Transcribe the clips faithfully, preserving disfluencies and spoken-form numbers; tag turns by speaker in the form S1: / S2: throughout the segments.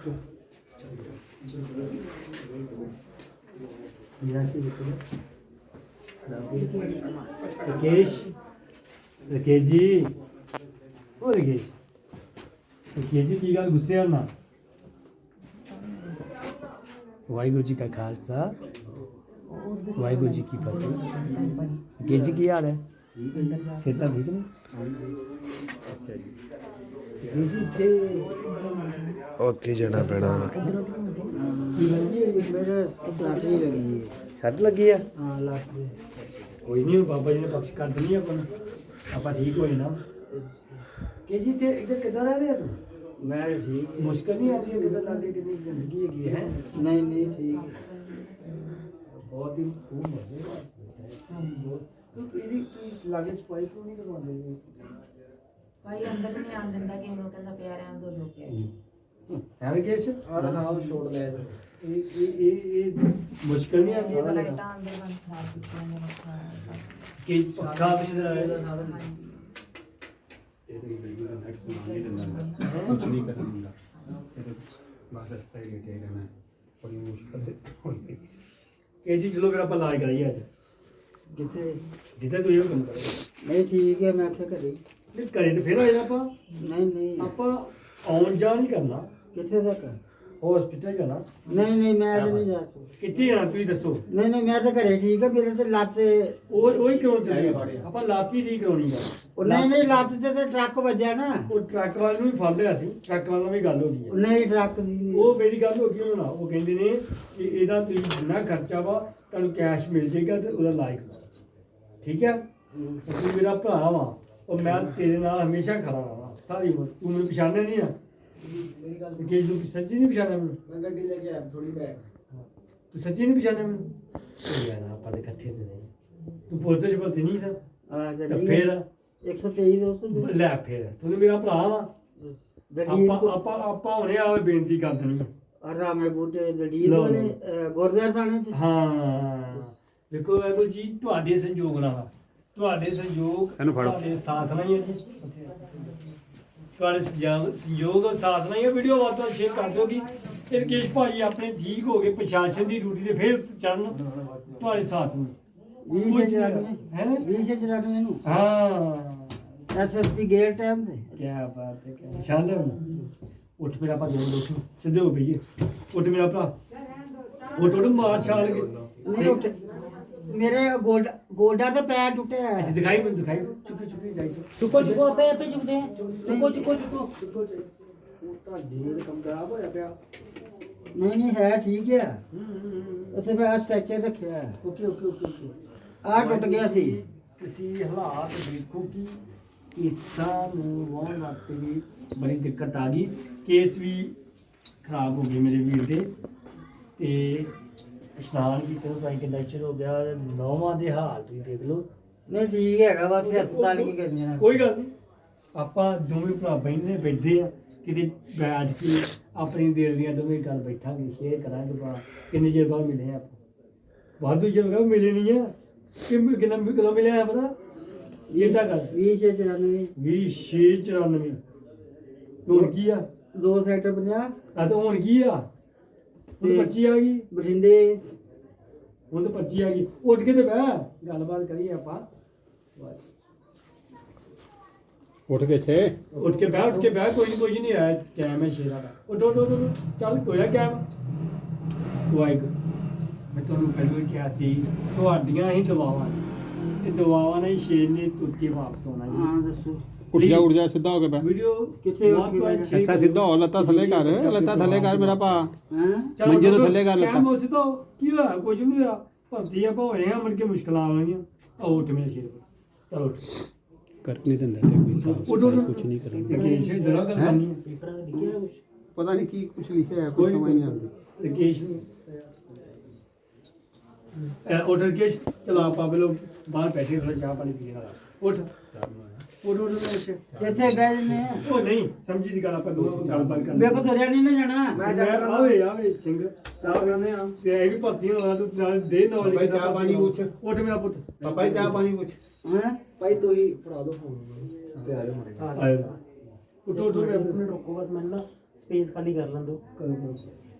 S1: राकेश राकेश जी ओ राकेश राकेश जी की गल गुस्से होना वाहिगुरु जी का खालसा वाहिगुरु जी की फतेह राकेश जी की हाल है सेहत ठीक ने अच्छा जी राकेश जी थे
S2: ओके जाना पैना
S1: सट लगी है कोई नहीं बाबा जी ने बख्श कर देनी अपन आप ठीक हो जाना के जी थे इधर किधर रह रहे तू
S3: मैं ठीक
S1: मुश्किल नहीं आती है किधर लागे कितनी जिंदगी है
S3: नहीं नहीं ठीक
S1: बहुत ही खूब मजे तू तेरी तू लागे सफाई क्यों नहीं करवाते
S4: भाई अंदर भी नहीं आने दिंदा कि लोग कहंदा प्यार है अंदर लोग के
S1: है राकेश
S3: और दिखाओ छोड़ ले
S1: ये ये ये मुश्किल नहीं आती है
S4: लाइटां अंदर बंद खराब कीतियां ने
S1: कि पक्का पिछले आए
S5: कुछ नहीं करूँगा बस रास्ता ही लेके रहना बड़ी मुश्किल है
S1: के जी चलो फिर आप इलाज कराइए आज
S3: किथे
S1: जितना तू ये काम करो
S3: नहीं ठीक है मैं थे करी
S1: नहीं करे तो फिर आ जाना आप
S3: नहीं नहीं
S1: आप आउन जा नहीं करना
S3: किथे तक
S1: हॉस्पिटल जाना
S3: नहीं नहीं मैं तो नहीं जा सकता
S1: कितने जाना तू ही दसो
S3: नहीं नहीं मैं तो घरे ठीक है मेरे तो ਲੱਤ
S1: ਉਹ ਉਹ ਹੀ ਕਿਉਂ ਚੱਲੀ ਆਪਾਂ ਲਾਤੀ ਠੀਕ ਕਰਾਉਣੀ ਆ
S3: ਉਹ ਨਹੀਂ ਨਹੀਂ ਲੱਤ ਤੇ ਤੇ ਟਰੱਕ ਵੱਜਿਆ ਨਾ
S1: ਉਹ ਟਰੱਕ ਵਾਲੇ ਨੂੰ ਹੀ ਫੜ ਲਿਆ ਸੀ ਟਰੱਕ ਵਾਲੇ ਨਾਲ ਵੀ ਗੱਲ ਹੋ ਗਈ
S3: ਉਹ ਨਹੀਂ ਟਰੱਕ ਦੀ
S1: ਉਹ ਮੇਰੀ ਗੱਲ ਹੋ ਗਈ ਉਹਨਾਂ ਨਾਲ ਉਹ ਕਹਿੰਦੇ ਨੇ ਕਿ ਇਹਦਾ ਤੁਸੀਂ ਜਿੰਨਾ ਖਰਚਾ ਵਾ ਤੁਹਾਨੂੰ ਕੈਸ਼ ਮਿਲ ਜਾਏਗਾ ਤੇ ਉਹਦਾ ਇਲਾਜ ਕਰਵਾਓ ਠੀਕ ਹੈ ਤੂੰ ਮੇਰਾ ਭਰਾ ਵਾ ਉਹ ਮੈਂ ਤੇਰੇ ਨਾਲ ਹਮੇਸ਼ਾ ਖੜਾ ਰਹਾਂ ਸਾਰੀ ਉਮਰ ਤੂੰ ਮੈਨੂੰ ਪਛਾਣਿਆ ਨਹੀਂ ਆ
S3: ਮੇਰੀ ਗੱਲ
S1: ਕਿ ਤੂੰ ਸੱਚੀ ਨਹੀਂ ਪਛਾਣਿਆ ਮੈਨੂੰ
S3: ਮੈਂ ਗੱਡੀ ਲੈ ਕੇ ਆਇਆ ਥੋੜੀ ਬੈਗ
S1: ਤੂੰ ਸੱਚੀ ਨਹੀਂ ਪਛਾਣਿਆ ਮੈਨੂੰ ਯਾਰ ਆਪਾਂ ਦੇ ਇਕੱਠੇ ਤੇ ਨਹੀਂ ਤੂੰ ਪੁਲਿਸ ਚ ਭਰਤੀ ਨਹੀਂ ਸਰ
S3: ਆ
S1: ਤੇ
S3: ਗੱਡੀ
S1: ਫਿਰ
S3: ਇੱਕ ਸੌ ਤੇਈ ਦੋ ਸੌ
S1: ਲੈ ਫਿਰ ਤੂੰ ਮੇਰਾ ਭਰਾ ਵਾ ਆਪਾਂ ਆਪਾਂ ਆਪਾਂ ਹੁਣੇ ਆਵੇ ਬੇਨਤੀ ਕਰ ਦੇਣੀ
S3: ਰਾਮੇ ਬੂਟੇ ਦਲੀਲ
S1: ਲਓ।
S3: ਵਾਲੇ ਗੁਰਦੁਆਰਾ ਥਾਣੇ ਚ
S1: ਹਾਂ ਦੇਖੋ ਵਾਹਿਗੁਰੂ ਜੀ ਤੁਹਾਡੇ ਸੰਯੋਗ ਨਾਲ ਆ। ਤੁਹਾਡੇ ਸੰਯੋਗ
S5: ਇਹਨੂੰ ਫੜੋ।
S1: ਤੁਹਾਡੇ ਸਾਥ ਨਾਲ ਹੀ ਹੈ ਜੀ ਤੁਹਾਡੇ ਸੰਯੋਗ ਸੰਯੋਗ ਔਰ ਸਾਥ ਨਾਲ ਹੀ ਹੈ ਵੀਡੀਓ ਵੱਧ ਤੋਂ ਵੱਧ ਸ਼ੇਅਰ ਕਰ ਦਿਓ ਕਿ ਇਹ ਰਕੇਸ਼ ਭਾਜੀ ਆਪਣੇ ਠੀਕ ਹੋ ਗਏ ਪ੍ਰਸ਼ਾਸਨ ਦੀ ਡਿਊਟੀ ਤੇ ਫਿਰ ਚੜਨ ਤੁਹਾਡੇ ਸਾਥ ਨੂੰ
S3: ਵੀਹ ਛੇ ਚੁਰਾਨਵੇਂ
S1: ਹੈ
S3: ਵੀਹ ਛੇ ਚੁਰਾਨਵੇਂ ਨੂੰ
S1: ਹਾਂ
S3: S S P gate time ਤੇ
S1: ਕੀ ਬਾਤ ਹੈ ਕੀ ਨਿਸ਼ਾਨ ਲੈ ਉੱਠ ਮੇਰਾ ਭਾਜੀ ਉੱਠ ਸਿੱਧੇ ਹੋ ਪਈਏ ਉੱਠ ਮੇਰਾ ਭਰਾ ਉੱਠ ਉੱਠ ਮਾਰ ਛਾਲ ਕੇ
S3: ਨਹੀਂ ਉੱਠ ਮੇਰੇ ਗੋਡਾ ਗੋਡਾ ਤੇ ਪੈਰ ਟੁੱਟਿਆ
S1: ਅਸੀਂ ਦਿਖਾਈ ਮੈਨੂੰ ਦਿਖਾਈ ਚੁੱਕੀ ਚੁੱਕੀ ਜਾਈ
S4: ਚੁੱਕੋ ਚੁੱਕੋ ਪੇ ਪੇ ਚੁੱਕਦੇ ਚੁੱਕੋ ਚੁੱਕੋ ਚੁੱਕੋ
S1: ਚੁੱਕੋ ਉਹ ਤਾਂ ਢੇਰ ਕੰਮ ਖਰਾਬ ਹੋਇਆ ਪਿਆ
S3: ਨਹੀਂ ਨਹੀਂ ਹੈ ਠੀਕ ਆ ਉੱਥੇ ਮੈਂ ਸਟ੍ਰੈਚਰ ਰੱਖਿਆ
S1: ਓਕੇ ਓਕੇ ਓਕੇ ਓਕੇ
S3: ਆ ਟੁੱਟ ਗਿਆ ਸੀ
S1: ਤੁਸੀਂ ਹਾਲਾਤ ਦੇਖੋ ਕਿ ਕੇਸਾਂ ਨੂੰ ਵਾਉਣ ਵਾਸਤੇ ਵੀ ਬੜੀ ਦਿੱਕਤ ਆ ਗਈ ਕੇਸ ਵੀ ਖਰਾਬ ਹੋ ਗਏ ਮੇਰੇ ਵੀਰ ਦੇ ਤੇ ਇਸ਼ਨਾਨ ਕੀਤੇ ਨੂੰ ਤਾਂ ਕਿੰਨਾ ਚਿਰ ਹੋ ਗਿਆ ਨੌਵਾਂ ਦੇ ਹਾਲ ਤੁਸੀਂ ਦੇਖ ਲਓ
S3: ਨਹੀਂ ਠੀਕ ਹੈਗਾ ਵਾ ਇੱਥੇ ਹਸਪਤਾਲ ਕੀ ਕਰਨੀ ਨਾ
S1: ਕੋਈ ਗੱਲ ਨਹੀਂ ਆਪਾਂ ਦੋਵੇਂ ਭਰਾ ਬੈਠੇ ਬੈਠੇ ਆ ਕਿਤੇ ਬੈਠ ਕੇ ਆਪਣੀ ਦਿਲ ਦੀਆਂ ਦੋਵੇਂ ਗੱਲ ਬੈਠਾਂਗੇ ਸ਼ੇਅਰ ਕਰਾਂਗੇ ਭਰਾ ਕਿੰਨੇ ਚਿਰ ਬਾਅਦ ਮਿਲੇ ਆਪਾਂ ਵਾਧੂ ਚਿਰ ਹੋ ਗਿਆ ਮਿਲੇ ਨਹੀਂ ਆ ਕਿ ਕਿੰਨਾ ਕਿਲੋ ਮਿਲਿਆ ਪਤਾ ਇਹ ਤਾਂ ਗੱਲ
S3: ਵੀਹ ਛੇ ਚੁਰਾਨਵੇਂ
S1: ਵੀਹ ਛੇ ਚੁਰਾਨਵੇਂ ਹੁਣ ਕੀ ਆ
S3: ਦੋ ਸੈਕਟਰ ਪੰਜਾਹ
S1: ਆ ਤਾਂ ਹੁਣ ਕੀ ਆ ਹੁਣ ਪੱਚੀ ਆ ਗਈ
S3: ਬਠਿੰਡੇ
S1: ਹੁਣ ਤਾਂ ਪੱਚੀ ਆ ਗਈ ਉੱਠ ਕੇ ਤੇ ਬਹਿ ਗੱਲਬਾਤ ਕਰੀਏ ਆਪਾਂ
S5: ਉੱਠ ਕੇ ਛੇ
S1: ਉੱਠ ਕੇ ਬਹਿ ਉੱਠ ਕੇ ਬਹਿ ਕੋਈ ਨਹੀਂ ਕੋਈ ਨਹੀਂ ਆਇਆ ਕੈਮ ਹੈ ਸ਼ੇਰਾ ਦਾ ਉੱਠ ਉੱਠ ਉੱਠ ਉੱਠ, ਚੱਲ ਹੋਇਆ ਕੈਮ ਵਾਹਿਗੁਰੂ ਮੈਂ ਤੁਹਾਨੂੰ ਪਹਿਲਾਂ ਹੀ ਕਿਹਾ ਸੀ ਤੁਹਾਡੀਆਂ ਹੀ ਦੁਆਵਾਂ ਨੇ। ਇਹ ਦੁਆਵਾਂ ਨਾਲ ਹੀ ਸ਼ੇਰ ਨੇ ਤੁਰ ਕੇ ਵਾਪਸ ਆਉਣਾ ਜੀ
S3: ਹਾਂ ਦੱਸੋ
S5: ਉੱਠ ਜਾ ਉੱਠ ਜਾ ਸਿੱਧਾ ਹੋ ਕੇ ਬੈ
S1: ਵੀਡੀਓ
S3: ਕਿੱਥੇ ਉੱਠ ਕੇ ਬਹਿ ਗਿਆ?
S5: ਅੱਛਾ ਸਿੱਧਾ ਹੋ ਲੱਤਾਂ ਥੱਲੇ ਕਰ ਲੱਤਾਂ ਥੱਲੇ ਕਰ ਮੇਰਾ ਭਾ
S3: ਹਾਂ
S5: ਮੰਜੇ ਤੋਂ ਥੱਲੇ ਕਰ ਲੱਤਾਂ।
S1: ਕੈਮ ਹੋ ਸਿੱਧਾ ਹੋ। ਕੀ ਹੋਇਆ ਕੁਝ ਨਹੀਂ ਹੋਇਆ ਭਰਤੀ ਆਪਾਂ ਹੋਏ ਆ ਮੁੜ ਕੇ ਮੁਸ਼ਕਲਾਂ ਆਉਣਗੀਆਂ ਆਓ ਉੱਠ ਮੇਰੇ ਸ਼ੇਰ ਚਲੋ ਉੱਠ
S5: ਕਰ ਨਹੀਂ ਦਿੰਦਾ ਤੇ ਕੋਈ ਸਾਫ
S1: ਉੱਠ ਉੱਠ
S5: ਕੁਝ ਨਹੀਂ ਕਰਾਂਗੇ
S1: ਰਕੇਸ਼ ਜਰਾ ਗੱਲ ਕਰਨੀ ਹੈ
S4: ਪੇਪਰ ਲਿਖਿਆ ਕੁਛ
S5: ਪਤਾ ਨਹੀਂ ਕੀ ਕੁਝ ਲਿਖਿਆ ਹੈ ਕੋਈ ਸਮਝ ਨਹੀਂ ਆਉਂਦੀ
S1: ਰਕੇਸ਼ ਉੱਠ ਰਕੇਸ਼ ਚਲੋ ਆਪਾਂ ਬਲੋ ਬਾਹਰ ਬੈਠੇ ਥੋੜਾ ਚਾਹ ਪਾਣੀ ਪੀਣ ਵਾਲਾ ਉੱਠ ਉੱਠ ਉੱਠ ਉੱਠ
S3: ਕਿੱਥੇ ਗਏ ਨੇ
S1: ਉਹ ਨਹੀਂ ਸਮਝੀ ਦੀ ਗੱਲ ਆਪਾਂ ਦੋਸਤ ਗੱਲਬਾਤ ਕਰ
S3: ਮੇਰੇ ਕੋ ਤੁਰਿਆ ਨਹੀਂ ਨਾ ਜਾਣਾ
S1: ਮੈਂ ਆਵੇ ਆਵੇ ਸਿੰਘ
S3: ਚਾਹ ਬਣਾਉਂਦੇ ਆ
S1: ਤੇ ਇਹ ਵੀ ਭਰਤੀ ਹੋਣਾ ਤੂੰ ਨਾਲ ਦੇ ਨੌਲੇਜ
S5: ਭਾਈ ਚਾਹ ਪਾਣੀ ਪੁੱਛ।
S1: ਉੱਠ ਮੇਰਾ ਪੁੱਤ
S5: ਪਾਪਾ ਜੀ ਚਾਹ ਪਾਣੀ ਕੁਝ
S3: ਹਾਂ
S6: ਭਾਈ ਤੂੰ ਹੀ ਫੜਾ ਦੋ ਫੋਨ ਤੇ ਆ ਜਾ ਮੜੇ
S1: ਆਇਆ ਉੱਠ ਉੱਠ ਮੇਰਾ ਪੁੱਤ
S4: ਰੁਕੋ ਬਸ ਮੈਨੂੰ ਨਾ
S1: ਸਪੇਸ ਖਾਲੀ ਕਰ ਲੈਣ ਦਿਓ ਕਰੋ ਕਰੋ।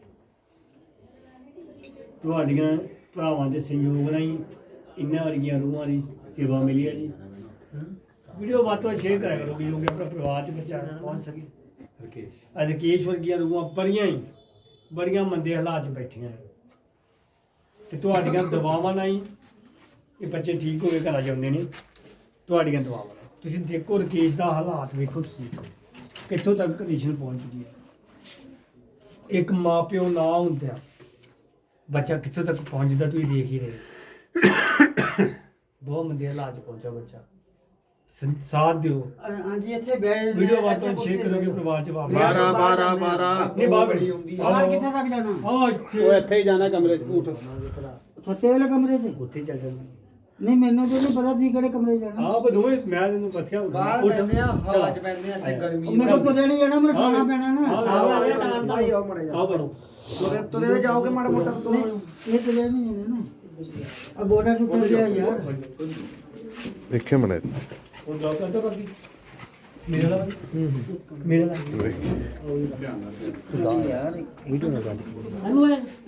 S1: ਤੁਹਾਡੀਆਂ ਭਰਾਵਾਂ ਦੇ ਸਹਿਯੋਗ ਨਾਲ ਹੀ ਇਹਨਾਂ ਵਰਗੀਆਂ ਰੂਹਾਂ ਦੀ ਸੇਵਾ ਮਿਲੀ ਹੈ ਜੀ। ਵੀਡੀਓ ਵੱਧ ਤੋਂ ਸ਼ੇਅਰ ਕਰਿਆ ਕਰੋ ਵੀ ਜੋ ਕਿ ਆਪਣਾ ਪਰਿਵਾਰ 'ਚ ਬੱਚਾ ਪਹੁੰਚ ਸਕੇ।
S5: ਰਕੇਸ਼
S1: ਰਕੇਸ਼ ਵਰਗੀਆਂ ਰੂਹਾਂ ਬੜੀਆਂ ਹੀ ਬੜੀਆਂ ਮੰਦੇ ਹਾਲਾਤ 'ਚ ਬੈਠੀਆਂ ਨੇ ਤੇ ਤੁਹਾਡੀਆਂ ਦੁਆਵਾਂ ਨਾਲ ਹੀ ਇਹ ਬੱਚੇ ਠੀਕ ਹੋ ਕੇ ਘਰਾਂ ਜਾਂਦੇ ਨੇ। ਤੁਹਾਡੀਆਂ ਦੁਆਵਾਂ ਨਾਲ ਤੁਸੀਂ ਦੇਖੋ ਰਕੇਸ਼ ਦਾ ਹਾਲਾਤ ਵੇਖੋ ਤੁਸੀਂ ਕਿੱਥੋਂ ਤੱਕ ਕੰਡੀਸ਼ਨ ਪਹੁੰਚ ਚੁੱਕੀ ਹੈ। ਇੱਕ ਮਾਂ ਪਿਓ ਨਾ ਹੁੰਦਾ ਬੱਚਾ ਕਿੱਥੋਂ ਤੱਕ ਪਹੁੰਚਦਾ ਤੁਸੀਂ ਦੇਖ ਹੀ ਰਹੇ। ਬਹੁਤ ਮੰਦੇ ਹਾਲਾਤ 'ਚ ਪਹੁੰਚਾ ਬੱਚਾ। ਸ- ਸਾਥ ਦਿਓ।
S3: ਹਾਂਜੀ ਇੱਥੇ ਬੈ
S1: ਵੀਡੀਓ ਬਾਤ ਤੋਂ ਸ਼ੇਅਰ ਕਰੋਗੇ ਪਰਿਵਾਰ 'ਚ ਵਾਪਸ
S2: ਬਾਰਾਂ ਬਾਰਾਂ ਬਾਰਾਂ
S1: ਨਹੀਂ ਬਾਹਰ ਬੜੀ
S3: ਬਾਹਰ ਕਿੱਥੇ ਤੱਕ ਜਾਣਾ?
S1: ਆ ਇੱਥੇ
S5: ਉਹ ਇੱਥੇ ਹੀ ਜਾਣਾ ਕਮਰੇ 'ਚ ਊਠ
S3: ਸੱਤੇ ਵਾਲੇ ਕਮਰੇ 'ਚ?
S1: ਉੱਥੇ ਚੱਲ ਜਾਂਦੇ
S3: ਨਹੀਂ ਮੈਨੂੰ ਤਾਂ ਨਹੀਂ ਪਤਾ ਤੁਸੀਂ ਕਿਹੜੇ ਕਮਰੇ 'ਚ ਜਾਣਾ।
S1: ਆਪ ਦੋਵੇਂ ਮੈਂ ਤੈਨੂੰ ਪੱਥਿਆ
S6: ਬਾਹਰ ਪੈਂਦੇ ਆ ਹਵਾ ਚ ਪੈਂਦੇ ਆ ਇੱਥੇ ਗਰਮੀ
S3: ਮੇਰੇ ਕੋਲ ਤੁਰੇ ਨਹੀਂ ਜਾਣਾ, ਮੈਨੂੰ ਖਾਣਾ ਪੈਣਾ ਨਾ।
S6: ਭਾਈ ਆਓ ਮੜੇ ਜਾ
S1: ਆ ਬਣੋ
S6: ਤੁਰੇ ਤੁਰੇ ਜਾਓਗੇ ਮਾੜਾ ਮੋਟਾ ਤੋਂ
S3: ਨਹੀਂ, ਇਹ ਤੁਰੇ ਨਹੀਂ ਜਾਣਾ ਨਾ। ਆ ਗੋਡਾ ਟੁੱਟ ਗਿਆ ਯਾਰ।
S2: ਦੇਖਿਓ ਮਨੇ
S1: ਉਹ ਜੋਬ ਕਰਦਾ ਬਾਕੀ ਮੇਰੇ ਨਾਲ ਮੇਰੇ ਨਾਲ
S6: ਯਾਰ
S1: ਇਹਨੂੰ ਹੈ